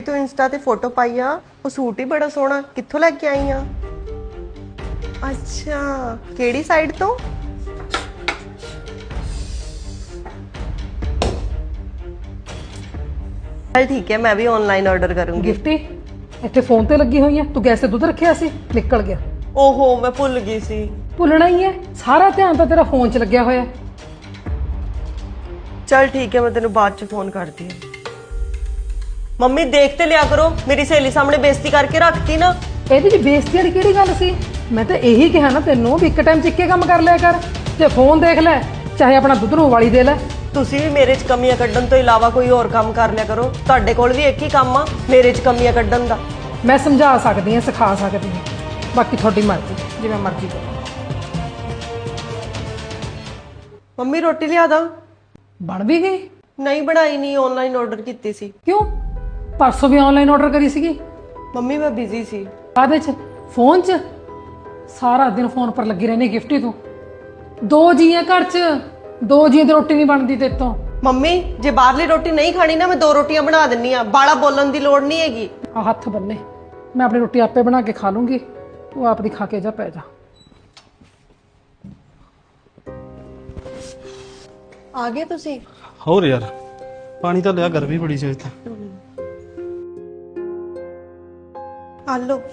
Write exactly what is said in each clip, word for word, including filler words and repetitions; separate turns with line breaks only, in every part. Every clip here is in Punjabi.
ਤੂੰ ਇੰਸਟਾ ਤੇ ਫੋਟੋ ਪਾਈ ਆ, ਉਹ ਸੂਟ ਹੀ ਬੜਾ ਸੋਹਣਾ, ਕਿੱਥੋਂ ਲੈ ਕੇ ਆਈ ਆ? ਅੱਛਾ, ਕਿਹੜੀ ਸਾਈਡ ਤੋਂ? चल ठीक है, मैं भी ऑनलाइन ऑर्डर करूंगी।
गिफ्टी ਇੱਥੇ ਫੋਨ ਤੇ ਲੱਗੀ ਹੋਈ ਹੈ, ਤੂੰ ਗੈਸ ਤੇ ਦੁੱਧ ਰੱਖਿਆ ਸੀ, ਨਿਕਲ ਗਿਆ।
ओहो, मैं भुल गई सी।
ਭੁੱਲਣਾ ਹੀ ਹੈ, ਸਾਰਾ ਧਿਆਨ ਤਾਂ ਤੇਰਾ ਫੋਨ 'ਚ ਲੱਗਿਆ ਹੋਇਆ।
चल ठीक है, मैं तेन बाद च फोन करती हूँ। मम्मी देखते लिया करो, मेरी सहेली सामने बेइज्जती करके रखती ना।
ਇਹਦੇ 'ਚ ਬੇਇੱਜ਼ਤੀ ਵਾਲੀ ਕਿਹੜੀ ਗੱਲ ਸੀ? ਮੈਂ ਤਾਂ ਇਹੀ ਕਿਹਾ ਨਾ ਤੈਨੂੰ ਵੀ ਇੱਕ ਟਾਈਮ 'ਚ ਇੱਕੇ ਕੰਮ ਕਰ ਲਿਆ ਕਰ, ਤੇ ਫੋਨ ਦੇਖ ਲੈ, ਚਾਹੇ ਆਪਣਾ ਦੁੱਧ ਨੂੰ ਉਬਾਲੀ ਦੇ ਲੈ।
ਤੁਸੀਂ ਵੀ ਮੇਰੇ 'ਚ ਕਮੀਆਂ ਕੱਢਣ ਤੋਂ ਇਲਾਵਾ ਕੋਈ ਹੋਰ ਕੰਮ ਕਰ ਲਿਆ ਕਰੋ। ਤੁਹਾਡੇ ਕੋਲ ਵੀ ਇੱਕ ਹੀ ਕੰਮ ਆ, ਮੇਰੇ 'ਚ ਕਮੀਆਂ ਕੱਢਣ ਦਾ।
ਮੈਂ ਸਮਝਾ ਸਕਦੀ ਹਾਂ, ਸਿਖਾ ਸਕਦੀ ਹਾਂ, ਬਾਕੀ ਤੁਹਾਡੀ ਮਰਜ਼ੀ, ਜਿਵੇਂ ਮਰਜ਼ੀ ਕਰੋ।
ਮੰਮੀ ਰੋਟੀ ਲਿਆ ਦਾਂ?
ਬਣ ਵੀ ਗਈ?
ਨਹੀਂ ਬਣਾਈ, ਨਹੀਂ ਆਨਲਾਈਨ ਆਰਡਰ ਕੀਤੀ ਸੀ।
ਕਿਉਂ? ਪਰਸੋਂ ਵੀ ਆਨਲਾਈਨ ਆਰਡਰ ਕਰੀ ਸੀਗੀ।
ਮੰਮੀ ਮੈਂ ਬਿਜ਼ੀ ਸੀ।
ਕਾਹਦੇ 'ਚ? ਫੋਨ 'ਚ? ਸਾਰਾ ਦਿਨ ਫੋਨ ਪਰ ਲੱਗੀ ਰਹਿੰਦੀ ਗਿਫਟੀ ਤੂੰ। ਦੋ ਜੀ ਆ ਘਰ 'ਚ, ਦੋ ਜੀ ਦੀ ਰੋਟੀ ਨਹੀਂ ਬਣਦੀ ਤੇਰੇ ਤੋਂ।
ਮੰਮੀ ਜੇ ਬਾਹਰਲੀ ਰੋਟੀ ਨਹੀਂ ਖਾਣੀ ਨਾ, ਮੈਂ ਦੋ ਰੋਟੀਆਂ ਬਣਾ ਦਿੰਨੀ ਆ, ਬਾਲਾ ਬੋਲਣ ਦੀ ਲੋੜ ਨਹੀਂ ਹੈਗੀ।
ਆ ਹੱਥ ਬੰਨੇ, ਮੈਂ ਆਪਣੀ ਰੋਟੀ ਆਪੇ ਬਣਾ ਕੇ ਖਾ ਲੂੰਗੀ, ਤੂੰ ਆਪਦੀ ਖਾ ਕੇ ਜਾ, ਪੈ ਜਾ।
ਆ ਗਏ ਤੁਸੀਂ?
ਹੋਰ ਯਾਰ ਪਾਣੀ ਤਾਂ ਲਿਆ, ਗਰਮੀ ਬੜੀ ਸੀ ਇੱਥੇ।
ਆ ਲੋ।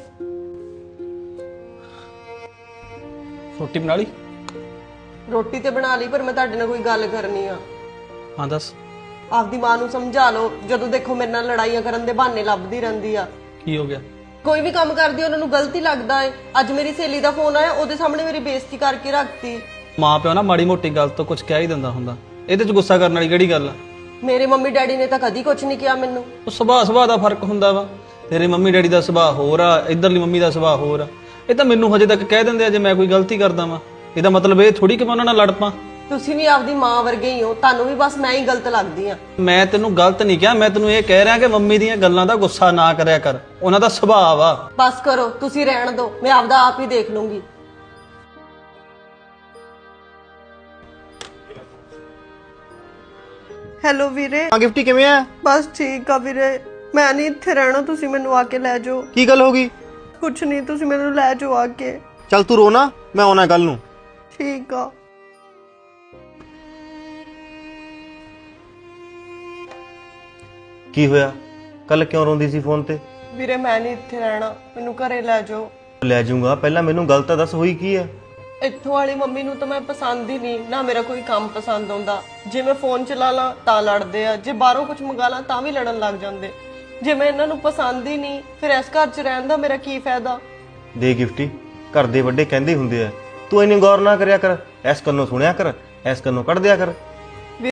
ਰੋਟੀ ਬਣਾ ਲਈ?
ਰੋਟੀ ਤੇ ਬਣਾ ਲਈ, ਪਰ ਮੈਂ ਤੁਹਾਡੇ ਨਾਲ ਕੋਈ ਗੱਲ ਕਰਨੀ ਆ।
ਹਾਂ ਦੱਸ।
ਆਪਦੀ ਮਾਂ ਨੂੰ ਸਮਝਾ ਲਓ, ਜਦੋਂ ਦੇਖੋ ਮੇਰੇ ਨਾਲ ਲੜਾਈਆਂ ਕਰਨ ਦੇ ਬਹਾਨੇ ਲੱਭਦੀ ਰਹਿੰਦੀ ਆ।
ਕੀ ਹੋ ਗਿਆ?
ਕੋਈ ਵੀ ਕੰਮ ਕਰਦੀ ਉਹਨਾਂ ਨੂੰ ਗਲਤੀ ਲੱਗਦਾ ਏ। ਅੱਜ ਮੇਰੀ ਸਹੇਲੀ ਦਾ ਫੋਨ ਆਇਆ, ਉਹਦੇ ਸਾਹਮਣੇ ਮੇਰੀ ਬੇਇੱਜ਼ਤੀ ਕਰਕੇ ਰੱਖਤੀ।
ਮਾਂ ਪਿਓ ਨਾ ਮਾੜੀ ਮੋਟੀ ਗੱਲ ਤੋਂ ਕੁਝ ਕਹਿ ਹੀ ਦਿੰਦਾ ਹੁੰਦਾ, ਇਹਦੇ 'ਚ ਗੁੱਸਾ ਕਰਨ ਵਾਲੀ ਕਿਹੜੀ ਗੱਲ ਆ?
ਮੇਰੇ ਮੰਮੀ ਡੈਡੀ ਨੇ ਤਾਂ ਕਦੀ ਕੁਝ ਨਹੀਂ ਕਿਹਾ ਮੈਨੂੰ।
ਉਹ ਸੁਭਾਅ ਸੁਭਾਅ ਦਾ ਫਰਕ ਹੁੰਦਾ ਵਾ। ਤੇਰੇ ਮੰਮੀ ਡੈਡੀ ਦਾ ਸੁਭਾਅ ਹੋਰ ਆ, ਇਧਰਲੀ ਮੰਮੀ ਦਾ ਸੁਭਾਅ ਹੋਰ ਆ। ਇਹ ਤਾਂ ਮੈਨੂੰ ਹਜੇ ਤੱਕ ਕਹਿ ਦਿੰਦੇ ਆ ਜੇ ਮੈਂ ਕੋਈ ਗਲਤੀ ਕਰਦਾ ਵਾਂ। ਇਹਦਾ ਮਤਲਬ ਇਹ ਥੋੜੀ ਕਿ ਮੈਂ ਉਹਨਾਂ ਨਾਲ ਲੜ ਪਾਂ।
ਤੁਸੀਂ ਵੀ ਆਪਦੀ ਮਾਂ ਵਰਗੇ ਹੀ ਹੋ, ਤੁਹਾਨੂੰ ਵੀ ਬਸ ਮੈਂ ਹੀ ਗਲਤ ਲੱਗਦੀ ਆ।
ਮੈਂ ਤੈਨੂੰ ਗਲਤ ਨਹੀਂ ਕਿਹਾ, ਮੈਂ ਤੈਨੂੰ ਇਹ ਕਹਿ ਰਿਹਾ ਕਿ ਮੰਮੀ ਦੀਆਂ ਗੱਲਾਂ ਦਾ ਗੁੱਸਾ ਨਾ ਕਰਿਆ ਕਰ, ਉਹਨਾਂ ਦਾ ਸੁਭਾਅ ਵਾ।
ਬਸ ਕਰੋ, ਤੁਸੀਂ ਰਹਿਣ ਦਿਓ, ਮੈਂ ਆਪਦਾ ਆਪ ਹੀ ਦੇਖ ਲੂੰਗੀ। ਹੈਲੋ ਵੀਰੇ।
ਹਾਂ ਗਿਫਟੀ, ਕਿਵੇਂ ਆ?
ਬਸ ਠੀਕ ਆ ਵੀਰੇ, ਮੈਂ ਨਹੀਂ ਇੱਥੇ ਰਹਿਣਾ, ਤੁਸੀਂ ਮੈਨੂੰ ਆ ਕੇ ਲੈ ਜਾਓ।
ਕੀ ਗੱਲ ਹੋ ਗਈ?
ਕੁਛ ਨਹੀਂ, ਤੁਸੀਂ ਮੈਨੂੰ ਲੈ ਜਾਓ ਆ ਕੇ।
ਚੱਲ ਤੂੰ ਰੋ ਨਾ, ਮੈਂ ਆਉਣਾ ਕੱਲ ਨੂੰ।
ਠੀਕ ਆ।
ਕੀ ਹੋਇਆ? ਕੱਲ ਕਿਉਂ ਰੋਂਦੀ ਸੀ ਫੋਨ ਤੇ?
ਵੀਰੇ ਮੈਂ ਨਹੀਂ ਇੱਥੇ ਰਹਿਣਾ, ਮੈਨੂੰ ਘਰੇ ਲੈ ਜਾਓ।
ਲੈ ਜਾਊਂਗਾ, ਪਹਿਲਾਂ ਮੈਨੂੰ ਗੱਲ ਤਾਂ ਦੱਸ, ਹੋਈ ਕੀ ਆ?
ਇੱਥੋਂ ਵਾਲੀ ਮੰਮੀ ਨੂੰ ਤਾਂ ਮੈਂ ਪਸੰਦ ਹੀ ਨਹੀਂ ਨਾ, ਮੇਰਾ ਕੋਈ ਕੰਮ ਪਸੰਦ ਆਉਂਦਾ। ਜੇ ਮੈਂ ਫੋਨ ਚਲਾ ਲਾਂ ਤਾਂ ਲੜਦੇ ਆ, ਜੇ ਬਾਹਰੋਂ ਕੁਝ ਮੰਗਾ ਲਾਂ ਤਾਂ ਵੀ ਲੜਨ ਲੱਗ ਜਾਂਦੇ। ਜੇ ਮੈਂ ਇਹਨਾਂ ਨੂੰ ਪਸੰਦ ਹੀ ਨਹੀਂ, ਫਿਰ ਇਸ ਘਰ 'ਚ ਰਹਿਣ ਦਾ ਮੇਰਾ ਕੀ ਫਾਇਦਾ?
ਦੇ ਗਿਫਟੀ, ਘਰ ਦੇ ਵੱਡੇ ਕਹਿੰਦੇ ਹੁੰਦੇ ਆ, ਤੂੰ ਇੰਨੀ ਗੌਰ ਨਾ ਕਰਿਆ ਕਰ, ਐਸ ਕੰਨੋਂ ਸੁਣਿਆ ਕਰ, ਐਸ ਕੰਨੋਂ ਕੱਢ ਦਿਆ ਕਰ।